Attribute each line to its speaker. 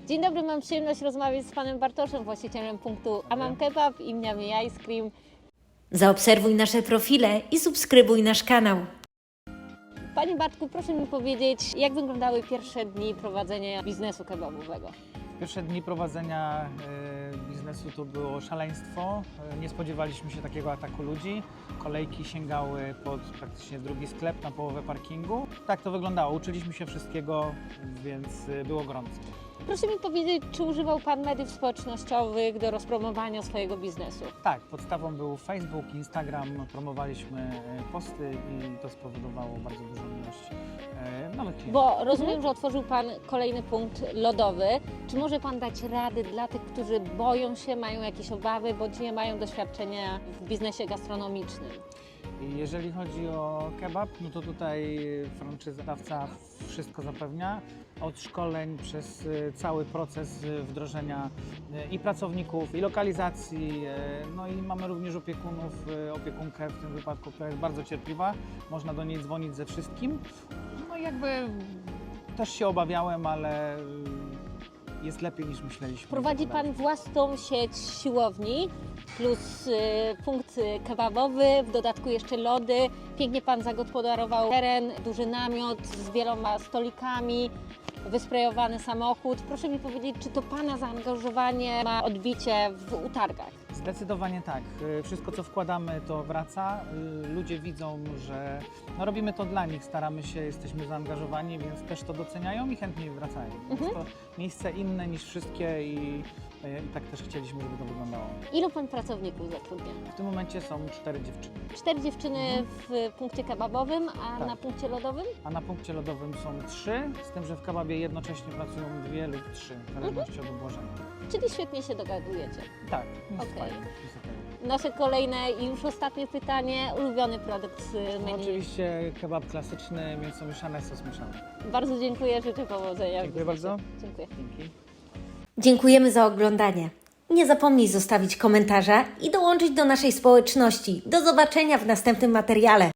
Speaker 1: Dzień dobry, mam przyjemność rozmawiać z panem Bartoszem, właścicielem punktu Amam Kebab i Mniamy Ice Cream.
Speaker 2: Zaobserwuj nasze profile i subskrybuj nasz kanał.
Speaker 1: Panie Bartku, proszę mi powiedzieć, jak wyglądały pierwsze dni prowadzenia biznesu kebabowego?
Speaker 3: Pierwsze dni prowadzenia biznesu to było szaleństwo. Nie spodziewaliśmy się takiego ataku ludzi. Kolejki sięgały pod praktycznie drugi sklep na połowę parkingu. Tak to wyglądało. Uczyliśmy się wszystkiego, więc było gorąco.
Speaker 1: Proszę mi powiedzieć, czy używał pan mediów społecznościowych do rozpromowania swojego biznesu?
Speaker 3: Tak, podstawą był Facebook, Instagram. Promowaliśmy posty i to spowodowało bardzo dużą ilość nowych klientów.
Speaker 1: Bo rozumiem, że otworzył pan kolejny punkt lodowy. Czy może pan dać rady dla tych, którzy boją się, mają jakieś obawy, bądź nie mają doświadczenia w biznesie gastronomicznym?
Speaker 3: Jeżeli chodzi o kebab, no to tutaj franczyzodawca wszystko zapewnia. Od szkoleń przez cały proces wdrożenia i pracowników, i lokalizacji. No i mamy również opiekunkę w tym wypadku, która jest bardzo cierpliwa. Można do niej dzwonić ze wszystkim. No i jakby też się obawiałem, ale jest lepiej niż myśleliśmy.
Speaker 1: Prowadzi pan własną sieć siłowni plus punkt kebabowy, w dodatku jeszcze lody. Pięknie pan zagospodarował teren, duży namiot z wieloma stolikami, wysprejowany samochód. Proszę mi powiedzieć, czy to pana zaangażowanie ma odbicie w utargach?
Speaker 3: Zdecydowanie tak. Wszystko, co wkładamy, to wraca. Ludzie widzą, że robimy to dla nich, staramy się, jesteśmy zaangażowani, więc też to doceniają i chętniej wracają. Jest to miejsce inne niż wszystkie i tak też chcieliśmy, żeby to wyglądało.
Speaker 1: Ilu pan pracowników zatrudnia?
Speaker 3: W tym momencie są 4 dziewczyny,
Speaker 1: 4 dziewczyny w punkcie kebabowym, a
Speaker 3: Tak.
Speaker 1: na punkcie lodowym?
Speaker 3: a na punkcie lodowym są 3, z tym, że w kebabie jednocześnie pracują 2 lub 3, w zależności od obłożenia.
Speaker 1: Czyli świetnie się dogadujecie.
Speaker 3: Tak, jest
Speaker 1: Okej.
Speaker 3: fajnie, jest okej.
Speaker 1: Nasze kolejne i już ostatnie pytanie. Ulubiony produkt z
Speaker 3: No,
Speaker 1: menu.
Speaker 3: oczywiście kebab klasyczny, mięso mieszane, sos mieszany.
Speaker 1: Bardzo dziękuję, życzę powodzenia. w
Speaker 3: Dziękuję
Speaker 1: biznesie.
Speaker 3: bardzo.
Speaker 1: Dziękuję.
Speaker 3: Dzięki.
Speaker 2: Dziękujemy za oglądanie. Nie zapomnij zostawić komentarza i dołączyć do naszej społeczności. Do zobaczenia w następnym materiale.